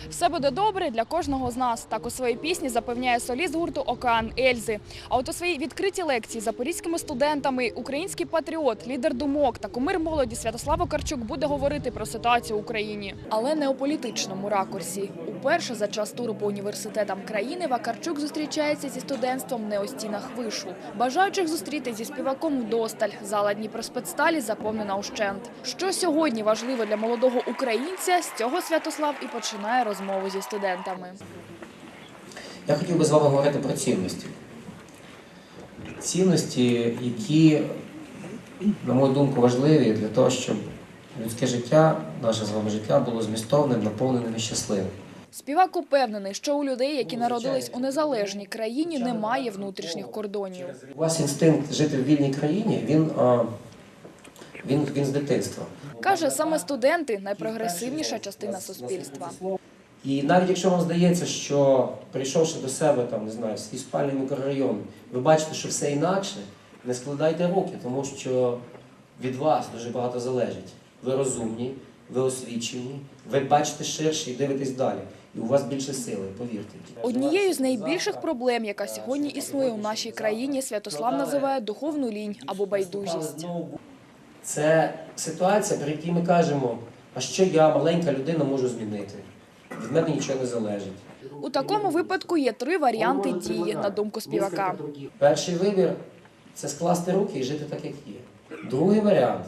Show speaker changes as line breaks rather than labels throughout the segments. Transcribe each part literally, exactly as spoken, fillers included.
Все буде добре для кожного з нас. Так у своїй пісні запевняє соліст гурту «Океан» Ельзи. А от у своїй відкритій лекції запорізькими студентами український патріот, лідер думок та кумир молоді Святослав Вакарчук буде говорити про ситуацію в Україні. Але не у політичному ракурсі. Уперше за час туру по університетам країни Вакарчук зустрічається зі студентством не у стінах вишу. Бажаючих зустріти зі співаком вдосталь. Зала Дніпроспецсталі заповнена ущент. Що сьогодні важливо для молодого українця, з цього Святослав і починає розмову зі студентами.
Я хотів би з вами говорити про цінності. Цінності, які, на мою думку, важливі для того, щоб людське життя, наше з вами життя, було змістовним, наповненим і щасливим.
Співак упевнений, що у людей, які народились у незалежній країні, немає внутрішніх кордонів.
У вас інстинкт жити в вільній країні, він, він, він з дитинства.
Каже, саме студенти – найпрогресивніша частина суспільства.
І навіть якщо вам здається, що прийшовши до себе, там, не знаю, в свій спальний мікрорайон, ви бачите, що все інакше, не складайте руки, тому що від вас дуже багато залежить. Ви розумні, ви освічені, ви бачите ширше і дивитесь далі. І у вас більше сили, повірте.
Однією з найбільших проблем, яка сьогодні існує у нашій країні, Святослав називає духовну лінь або байдужість.
Це ситуація, при якій ми кажемо, а що я, маленька людина, можу змінити? Від мене нічого не залежить.
У такому випадку є три варіанти дії, на думку співака.
Перший вибір – це скласти руки і жити так, як є. Другий варіант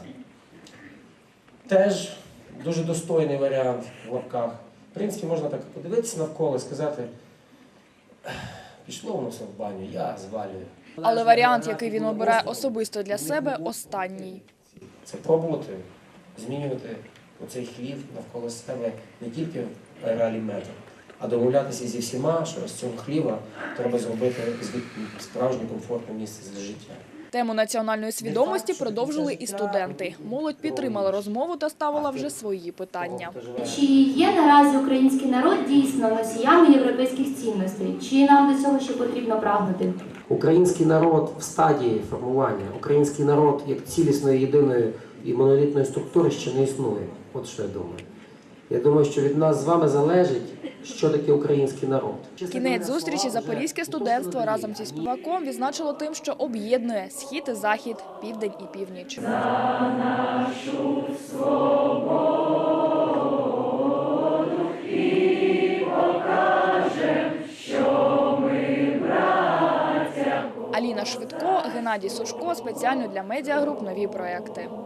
– теж дуже достойний варіант в лапках. В принципі, можна так подивитися навколо і сказати, пішло воно все в баню, я звалюю.
Але варіант, який він обирає особисто для себе – останній.
Це пробувати змінювати оцей хлів навколо себе не тільки в аералі метр, а домовлятися зі всіма, що з цього хліва треба зробити справжнє комфортне місце для життя.
Тему національної свідомості продовжили і студенти. Молодь підтримала розмову та ставила вже свої питання.
Чи є наразі український народ дійсно носіями європейських цінностей? Чи нам до цього ще потрібно прагнути?
Український народ в стадії формування, український народ як цілісної, єдиної і монолітної структури ще не існує. От що я думаю. Я думаю, що від нас з вами залежить, що таке український народ.
Кінець зустрічі запорізьке студентство разом зі співаком відзначило тим, що об'єднує схід і захід, південь і північ.
За нашу свободу і покажем, що ми браття.
Аліна Швидко, Геннадій Сушко. Спеціально для медіагруп «Нові проекти».